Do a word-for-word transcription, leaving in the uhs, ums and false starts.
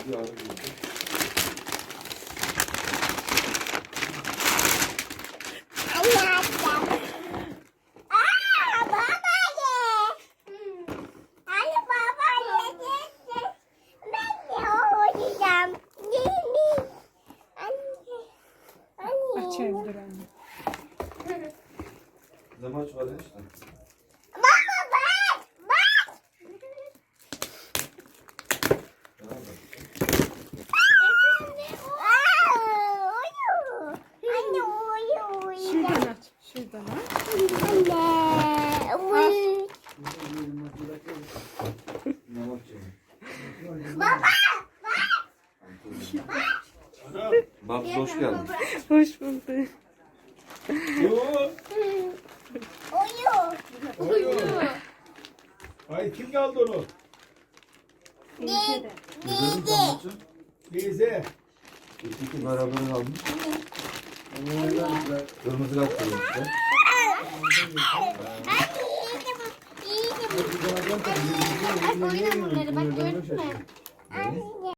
Bir ara girdi. Açayım dur anne. Zamaç var ya işte. Şuradan aç. Şuradan aç. Zamaç yani. Ana. Babs hoş geldin. Hoş bulduk. Yo. Oyo. Ay kim aldı onu? Güzelim zamaçı. Teyze. İkisi beraber almış. Kırmızı kart koymuşlar. Bak oynayın bunları, bak gördün mü?